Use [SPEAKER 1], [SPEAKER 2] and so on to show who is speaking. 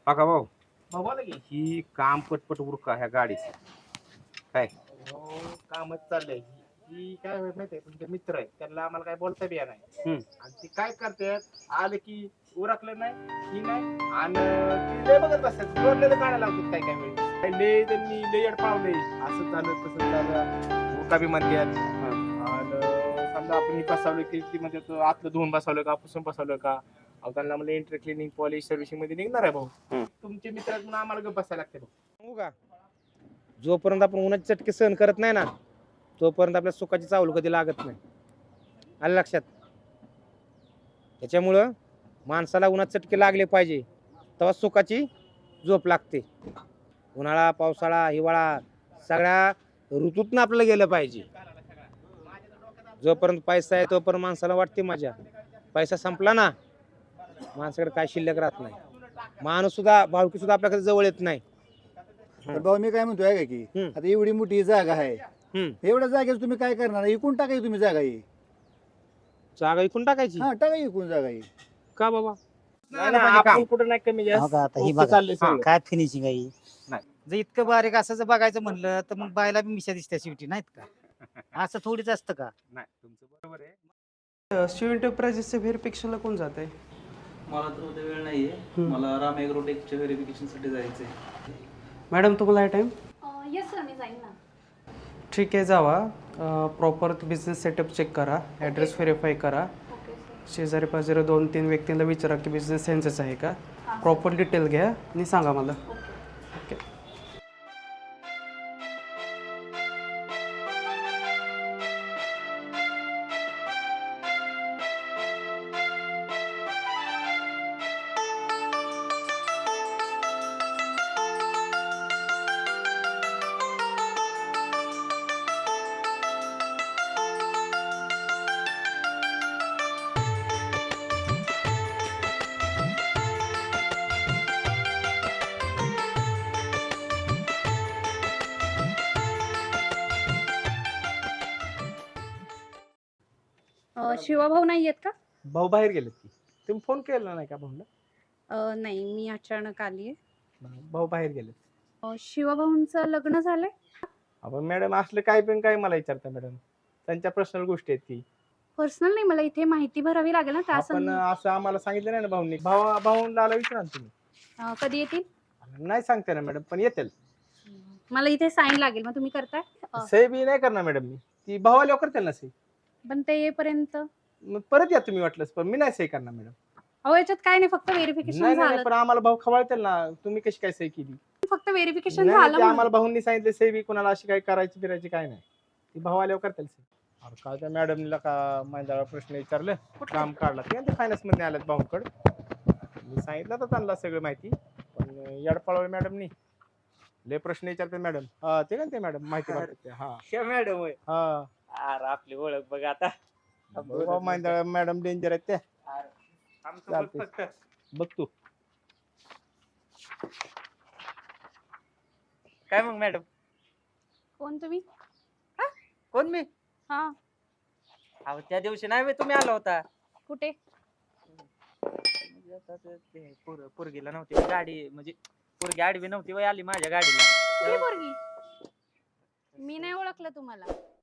[SPEAKER 1] का भाऊ
[SPEAKER 2] बोला की
[SPEAKER 1] ही काम पटपट उरका ह्या गाडीच काय
[SPEAKER 2] कामच चाललंय ही काय होत माहितीये तुमचे मित्र आहेत त्यांना आम्हाला काय बोलता बी नाही
[SPEAKER 1] हम्म.
[SPEAKER 2] आणि ते काय करतात आले की उरकलं नाही ही नाही आणि ती लय बघत बसतात जोडलेलं काढायला लावतात काय काय वेळेस काय लय त्यांनी लय पावले असं झालं तसं झालं उरका बी म्हणतात आणि समजा आपण ही बसवलं की ती म्हणतात आतलं धुवून बसवलं का पुसून बसवलं का अहो त्यांना म्हणजे इंटर क्लिनिंग पॉलिश सर्व्हिसिंग मध्ये निघणार आहे भाऊ तुमचे मित्र आहेत म्हणून आम्हाला गप्प बसायला लागते भाऊ
[SPEAKER 1] सांगू का जोपर्यंत आपण उन्हाचे चटके सहन करत नाही ना तोपर्यंत आपल्या सुखाची चावल कधी लागत नाही आलं लक्षात त्याच्यामुळं माणसाला उन्हात चटके लागले पाहिजे तेव्हा सुखाची झोप लागते उन्हाळा पावसाळा हिवाळा सगळ्या ऋतूतनं आपल्याला गेलं पाहिजे जोपर्यंत पैसा आहे तोपर्यंत माणसाला वाटते मजा पैसा संपला ना माणसाकडे काय शिल्लक राहत नाही माणूस सुद्धा भावकी सुद्धा आपल्याकडे जवळ येत नाही
[SPEAKER 3] तर भाऊ मी काय म्हणतोय का की
[SPEAKER 1] हम्म.
[SPEAKER 3] आता एवढी मोठी जागा आहे
[SPEAKER 1] हम्म.
[SPEAKER 3] एवढ्या जागेवर तुम्ही काय करणार इकून टाकाय तुम्ही जागा ही
[SPEAKER 1] जागा विकून टाकायची
[SPEAKER 3] हा टाका इकून जागा ही
[SPEAKER 1] का बाबा
[SPEAKER 2] नाही, नाही, आपण कुठं नाही कमी
[SPEAKER 4] हो का, आता ही
[SPEAKER 2] जास्त
[SPEAKER 4] बघा.
[SPEAKER 2] चाललंय सगळं.
[SPEAKER 4] काय फिनिशिंग आहे
[SPEAKER 2] नाही.
[SPEAKER 4] जर इतकं बारीक असं जर बघायचं म्हणलं तर मग बायला बी मिशा दिसत्या शेवटी नाहीत का असं थोडीच असतं का
[SPEAKER 2] नाही तुमचं बरोबर आहे
[SPEAKER 5] शिव एंटरप्राइजेसच्या व्हेरिफिकेशनला कोण जात आहे
[SPEAKER 6] मला तर उद्या वेळ नाहीये मला राम ॲग्रोटेकच्या व्हेरिफिकेशन साठी जायचंय
[SPEAKER 5] मॅडम तुम्हाला आहे टाईम
[SPEAKER 7] येस सर मी जाईन ना
[SPEAKER 5] ठीक आहे जावा प्रॉपर बिझनेस सेटअप चेक करा ॲड्रेस व्हेरीफाय करा
[SPEAKER 7] ओके सर
[SPEAKER 5] शेजारी पाजारी 2-3 व्यक्तींना विचारा की बिझनेस सेन्सच आहे का प्रॉपर डिटेल घ्या आणि सांगा मला
[SPEAKER 7] ओके
[SPEAKER 5] ओके
[SPEAKER 7] शिवाभाऊ नाही आहेत का
[SPEAKER 2] भाऊ बाहेर गेलेत की तुम्ही फोन केला नाही का भाऊला
[SPEAKER 7] नाही मी अचानक आली
[SPEAKER 2] भाऊ बाहेर गेलेत
[SPEAKER 7] आहे शिवाभाऊंचं लग्न झालंय
[SPEAKER 2] आपण मॅडम असलं काय पण काय मला विचारता मॅडम त्यांच्या पर्सनल गोष्टी आहेत की
[SPEAKER 7] पर्सनल नाही मला इथे माहिती भरावी लागेल ना त्या
[SPEAKER 2] आपण असं आम्हाला सांगितलं नाही ना भाऊंनी भाऊला विचारा ना तुम्ही
[SPEAKER 7] कधी येतील
[SPEAKER 2] नाही सांगते ना मॅडम पण येतील
[SPEAKER 7] मला इथे साईन लागेल मग तुम्ही करताय
[SPEAKER 2] सही बी नाही करणार मॅडम मी ती भावाला करतील ना सही
[SPEAKER 7] पण ते येईपर्यंत
[SPEAKER 2] मग परत या तुम्ही वाटलंच पण मी नाही सही करणार मॅडम
[SPEAKER 7] अहो याच्यात काय नाही फक्त व्हेरिफिकेशन
[SPEAKER 2] नाही नाही
[SPEAKER 7] झालं
[SPEAKER 2] पण आम्हाला भाऊ खवळतील ना तुम्ही कशी काय सही केली
[SPEAKER 7] फक्त व्हेरिफिकेशन
[SPEAKER 2] नाही,
[SPEAKER 7] झालं
[SPEAKER 2] ते
[SPEAKER 7] म्हणून.
[SPEAKER 2] आम्हाला भाऊंनी सांगितले सही बी कोणाला अशी काय करायची फिरायची काय नाही ती भाऊ आल्यावर करतील सही अरे काय त्या मॅडमला का माझ्या प्रश्न विचारलं काम काढला ते फायनान्स मध्ये आल्यात भाऊकडे मी सांगितलं तर त्यांना सगळं माहिती पण यडपाळवळ मॅडमनी लय प्रश्न विचारते मॅडम हा ते का ते मॅडम माहिती मागतात हा
[SPEAKER 4] मॅडम
[SPEAKER 2] हा
[SPEAKER 4] अरे आपली ओळख बघ आता
[SPEAKER 2] मॅडम डेंजर आहेत त्या चालतंय. बघ तू
[SPEAKER 4] काय मग मॅडम
[SPEAKER 7] कोण तुम्ही
[SPEAKER 4] कोण मी
[SPEAKER 7] हा
[SPEAKER 4] अहो त्या दिवशी नाही तुम्ही आला होता
[SPEAKER 7] कुठे
[SPEAKER 4] पोरगीला नव्हती गाडी म्हणजे पोरगी आडवी नव्हती वय आली माझ्या गाडीला
[SPEAKER 7] कुठली पोरगी मी नाही ओळखलं तुम्हाला